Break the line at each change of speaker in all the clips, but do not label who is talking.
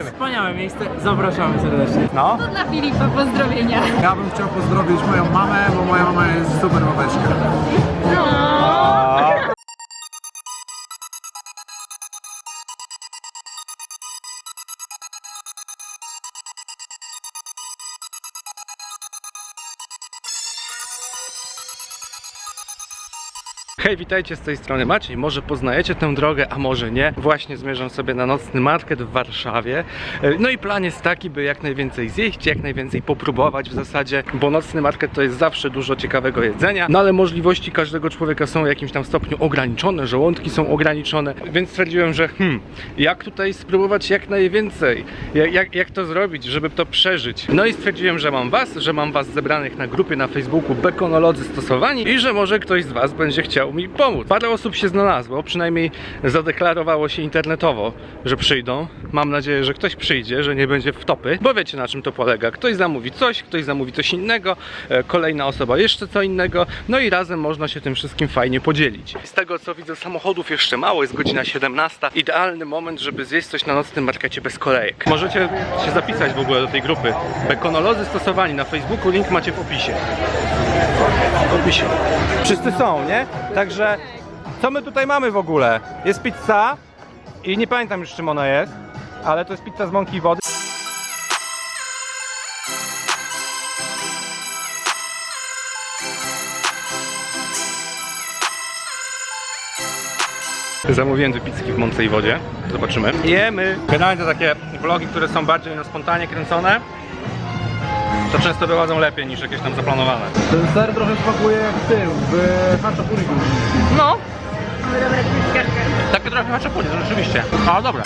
Wspaniałe miejsce, zapraszamy serdecznie.
No.
To dla Filipa pozdrowienia.
Ja bym chciał pozdrowić moją mamę, bo moja mama jest super mameczka.
Hej, witajcie, z tej strony Maciej. Może poznajecie tę drogę, a może nie. Właśnie zmierzam sobie na nocny market w Warszawie. No i plan jest taki, by jak najwięcej zjeść, jak najwięcej popróbować w zasadzie, bo nocny market to jest zawsze dużo ciekawego jedzenia, no ale możliwości każdego człowieka są w jakimś tam stopniu ograniczone, żołądki są ograniczone, więc stwierdziłem, że jak tutaj spróbować jak najwięcej, jak to zrobić, żeby to przeżyć. No i stwierdziłem, że mam was zebranych na grupie na Facebooku Bekonolodzy Stosowani i że może ktoś z was będzie chciał mi pomóc. Parę osób się znalazło, przynajmniej zadeklarowało się internetowo, że przyjdą. Mam nadzieję, że ktoś przyjdzie, że nie będzie wtopy, bo wiecie, na czym to polega. Ktoś zamówi coś innego, kolejna osoba jeszcze co innego, no i razem można się tym wszystkim fajnie podzielić. Z tego co widzę, samochodów jeszcze mało, jest godzina 17. Idealny moment, żeby zjeść coś na nocnym markecie bez kolejek. Możecie się zapisać w ogóle do tej grupy Bekonolodzy Stosowani na Facebooku, link macie w opisie. Wszyscy są, nie? Także co my tutaj mamy w ogóle? Jest pizza i nie pamiętam już czym ona jest, ale to jest pizza z mąki i wody. Zamówiłem dwie pizzki w mące i wodzie. Zobaczymy. Jemy! Generalnie to takie vlogi, które są bardziej na spontanie kręcone, to często wychodzą lepiej niż jakieś tam zaplanowane.
Ten ser trochę smakuje jak w tym, w haczapuriku.
No!
Mamy dobre kwiatki.
Takie trochę haczapuri, rzeczywiście. Ale dobra.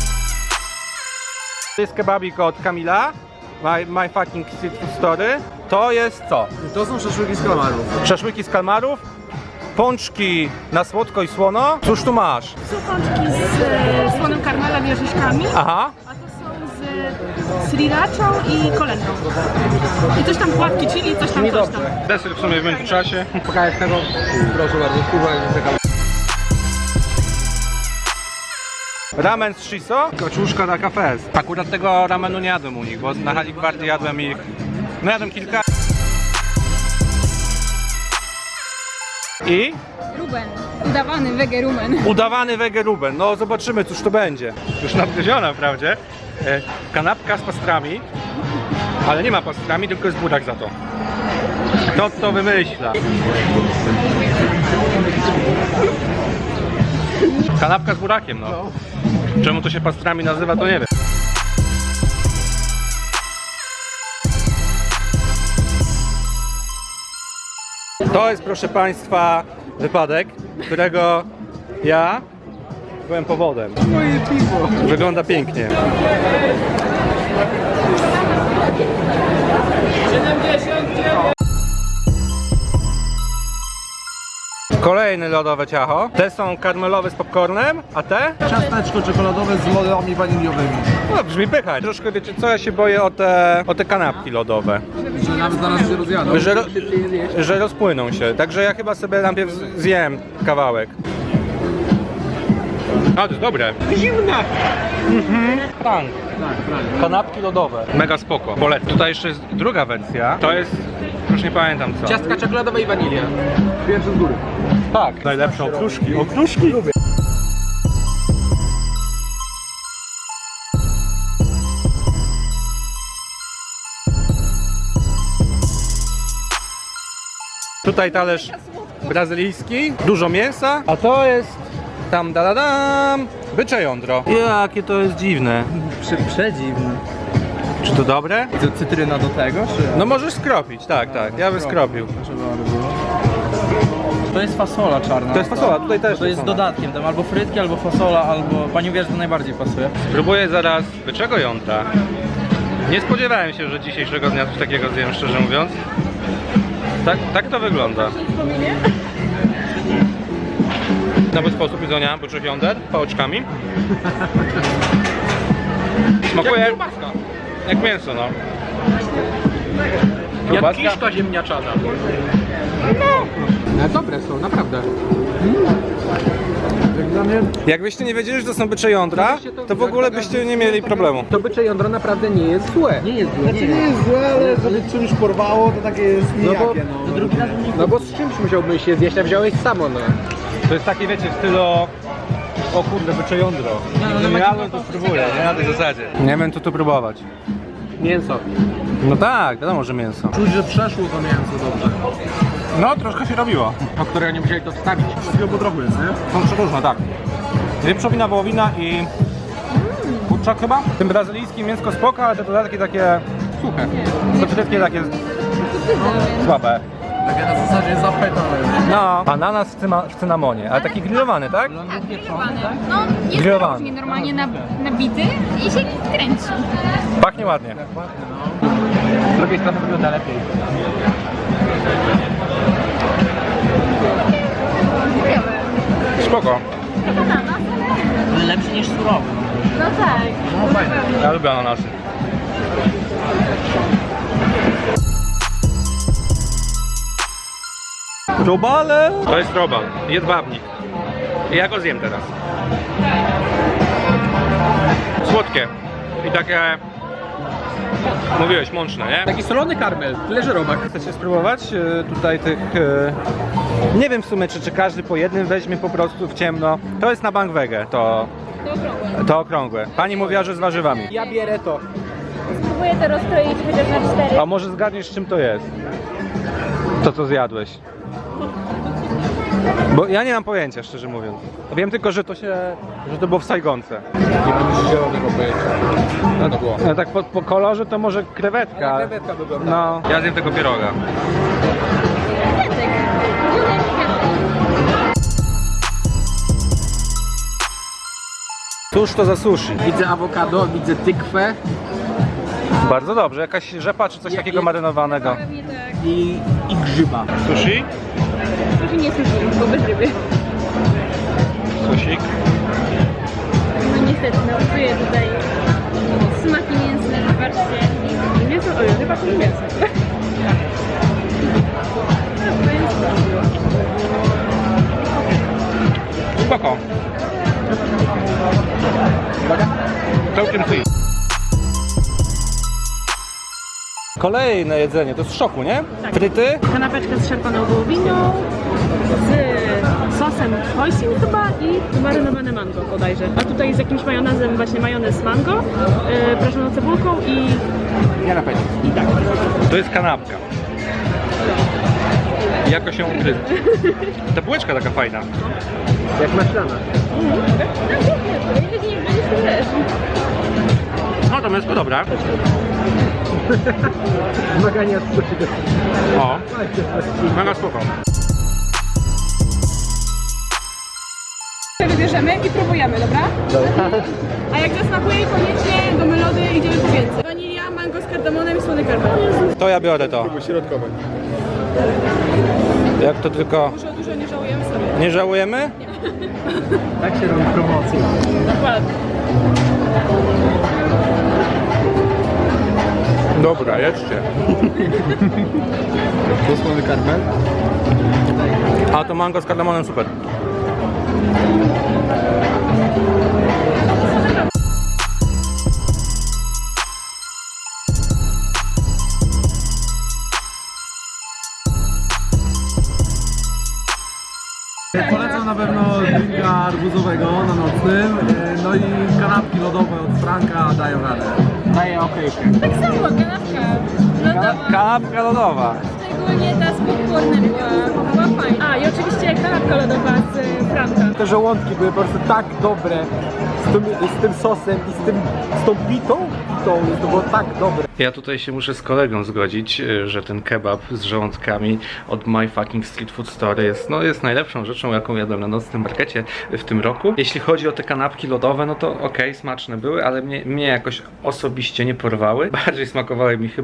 To jest kebabik od Kamila. My fucking street food story. To jest co?
To są szaszłyki z kamarów.
Szaszłyki z kalmarów, pączki na słodko i słono. Cóż tu masz?
Są pączki z słonym karmelem i orzeszkami,
Aha.
a to są z srirachą i kolendą. I coś tam płatki chili, coś tam.
Deser w sumie w międzyczasie.
Pokażę tego. Proszę bardzo, kurwa,
Ramen z shiso, kaczuszka na kafes. Akurat tego ramenu nie jadłem u nich, bo na Hali Gwardii jadłem ich... No jadłem kilka. I?
Ruben. Udawany wegerumen.
Udawany wegeruben. No zobaczymy, cóż to będzie. Już nadgryziona wprawdzie. Kanapka z pastrami. Ale nie ma pastrami, tylko jest burak za to. Kto to wymyśla? Kanapka z burakiem, no. Czemu to się pastrami nazywa, to nie wiem. To jest, proszę Państwa, wypadek, którego ja byłem powodem.
moje piwo.
Wygląda pięknie. Kolejne lodowe ciacho. Te są karmelowe z popcornem, a te?
Ciasteczko czekoladowe z lodami waniliowymi.
No brzmi pychać. Troszkę wiecie co, ja się boję o te kanapki lodowe.
Że nawet zaraz się rozjadą.
Że rozpłyną się. Także ja chyba sobie najpierw zjem kawałek. A, to jest dobre. Zimne! Tak. Kanapki lodowe. Mega spoko. Polecam. Tutaj jeszcze jest druga wersja. To jest... już nie pamiętam co.
Ciastka czekoladowa i wanilia.
Pierwszy z góry.
Tak. Najlepsze okruszki. Okruszki lubię. Tutaj talerz brazylijski, dużo mięsa, a to jest tam da-da-dam, bycze jądro. Jakie to jest dziwne.
Przedziwny.
Czy to dobre?
Cytryna do tego, czy?
No możesz skropić, tak, ja bym skropił.
To jest fasola czarna.
To jest fasola, tutaj też
To jest
fasola.
dodatkiem, tam albo frytki, albo fasola, albo... Pani wie, że to najbardziej pasuje.
Spróbuję zaraz byczego jądra. Nie spodziewałem się, że dzisiejszego dnia coś takiego zjem, szczerze mówiąc. Tak to wygląda. Nowy sposób jedzenia byczych jąder, pałeczkami. Smakuje jak mięso, no. Kiełbaska?
Jak kiszka ziemniaczana. No dobre są, naprawdę. Jak dla mnie
Jakbyście nie wiedzieli, że to są bycze jądra, to w ogóle byście nie mieli problemu.
to bycze jądro naprawdę nie jest złe. Nie jest złe. Znaczy nie jest złe, ale żeby czymś porwało, to takie jest nijakie, no bo z czymś musiałbyś się zjeść, a wziąłeś samo, no.
To jest takie, wiecie, w stylu... O kurde, bycze jądro. Nie jadłem, to spróbuję, nie? Na tej zasadzie. Nie wiem, co tu próbować.
Mięso.
No tak, wiadomo, że mięso.
Czuć, że przeszło to mięso dobrze.
No, troszkę się robiło.
Po której nie musieli to wstawić. Z wielu trochę jest, nie?
Są przeróżne, tak. Wieprzowina, wołowina i... kurczak chyba? Tym brazylijskim mięsko spoko, ale te dodatki takie... suche. To wszystkie takie... słabe.
Takie na zasadzie zapetane.
No. Ananas w cynamonie, ale taki grillowany, tak?
Tak, grillowany. No, jest
Grillowany.
różnie, normalnie nabity i się kręci.
Pachnie ładnie.
Z drugiej strony wygląda lepiej.
Spoko.
Ananas, ale...
Lepszy niż surowy.
No tak.
No fajne.
Ja lubię ananasy. Robale! To jest robal, jedwabnik. I ja go zjem teraz. Słodkie. I takie... mówiłeś, mączne, nie?
Taki solony karmel, tyle że robak.
Chcecie spróbować tutaj tych... nie wiem w sumie, czy każdy po jednym weźmie po prostu w ciemno. To jest na bank wege, to okrągłe. Pani mówiła, że z warzywami.
Ja bierę to.
Spróbuję to rozkroić chociaż na 4.
A może zgadniesz, czym to jest? To, co zjadłeś. Bo ja nie mam pojęcia, szczerze mówiąc. Wiem tylko, że to było w Saigonce.
Nie mam zielonego pojęcia. No to było.
No tak po kolorze to może krewetka.
Krewetka wygląda.
No. Ja zjem tego pieroga. Cóż to za sushi?
Widzę awokado, widzę tykwę
Bardzo dobrze, jakaś rzepa czy coś takiego marynowanego.
Pewnie tak.
i grzyba.
Sushi?
Sushi nie sushi, bo bez ryby.
Susik.
No niestety, no czuję tutaj smaki mięsne, zobaczcie. Mięso, oj, chyba to nie mięso.
Spoko. Całkiem sweet. Kolejne jedzenie, to jest z szoku, nie?
Tak.
Fryty?
Kanapeczka z szarpaną wołowiną, z sosem hoisin chyba i marynowane mango bodajże. A tutaj z jakimś majonezem, właśnie majonez mango, prażoną cebulką i...
Ja na pewno.
i tak.
To jest kanapka. Jako się ugryzł. Ta bułeczka taka fajna.
Jak maślana.
No to mięsko dobra.
Zmagania z sushi.
O, mega spoko.
Wybierzemy i próbujemy, dobra? A jak zasmakuje, koniecznie do melody idziemy po więcej. Wanilia, mango z kardamonem i słony karmel.
To ja biorę to.
Środkowe.
Jak to tylko...
Może o dużo nie żałujemy sobie.
Nie żałujemy?
Tak się robi promocja.
Dokładnie.
Dobra, jedźcie.
To słony karmel.
A to mango z kardamonem super.
Polecam na pewno drinka arbuzowego na nocnym, no i kanapki lodowe od Franka dają radę. Daję okejkę.
Tak samo, kanapka lodowa.
Kanapka lodowa.
Szczególnie ta z popcornem była fajna.
A i oczywiście kanapka lodowa z Franka.
Te żołądki były po prostu tak dobre z tym sosem i z tą bitą, to było tak dobre.
Ja tutaj się muszę z kolegą zgodzić, że ten kebab z żołądkami od My Fucking Street Food Store jest najlepszą rzeczą, jaką jadłem na nocnym markecie w tym roku. Jeśli chodzi o te kanapki lodowe, no to okej, smaczne były, ale mnie jakoś osobiście nie porwały. Bardziej smakowały mi chyba lody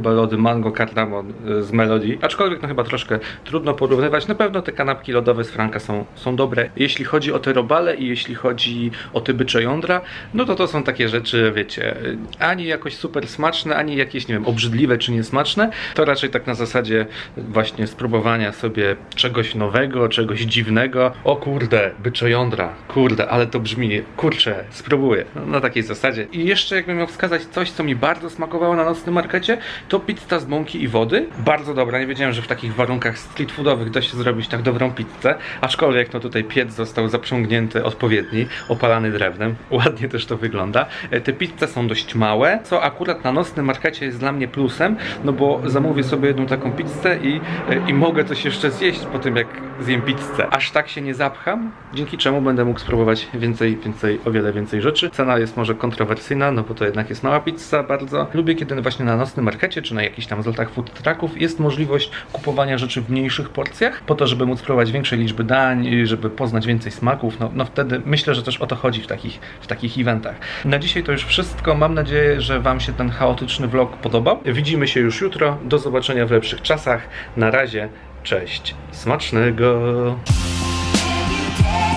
mango cardamon z Melody. Aczkolwiek no chyba troszkę trudno porównywać. Na pewno te kanapki lodowe z Franka są dobre. Jeśli chodzi o te robale i jeśli chodzi o te bycze jądra, no to są takie rzeczy, wiecie, ani jakoś super smaczne, ani jakieś, nie wiem, obrzydliwe czy niesmaczne. To raczej tak na zasadzie właśnie spróbowania sobie czegoś nowego, czegoś dziwnego. O kurde, bycze jądra, kurde, ale to brzmi, kurczę, spróbuję. No, na takiej zasadzie. I jeszcze jakbym miał wskazać coś, co mi bardzo smakowało na nocnym markecie, to pizza z mąki i wody. Bardzo dobra, nie wiedziałem, że w takich warunkach street foodowych da się zrobić tak dobrą pizzę, aczkolwiek no tutaj piec został zaprzągnięty odpowiedni, opalany drewnem. Ładnie też to wygląda. Te pizze są dość małe, co akurat na nocnym markecie jest dla mnie plusem, no bo zamówię sobie jedną taką pizzę i mogę coś jeszcze zjeść po tym, jak zjem pizzę. Aż tak się nie zapcham, dzięki czemu będę mógł spróbować o wiele więcej rzeczy. Cena jest może kontrowersyjna, no bo to jednak jest mała pizza bardzo. Lubię, kiedy właśnie na nocnym markecie, czy na jakichś tam zlotach food trucków jest możliwość kupowania rzeczy w mniejszych porcjach, po to, żeby móc spróbować większej liczby dań, żeby poznać więcej smaków. No wtedy myślę, że też o to chodzi w takich eventach. Na dzisiaj to już wszystko. Mam nadzieję, że Wam się ten chaotyczny vlog podobał. Widzimy się już jutro. Do zobaczenia w lepszych czasach. Na razie, cześć. Smacznego!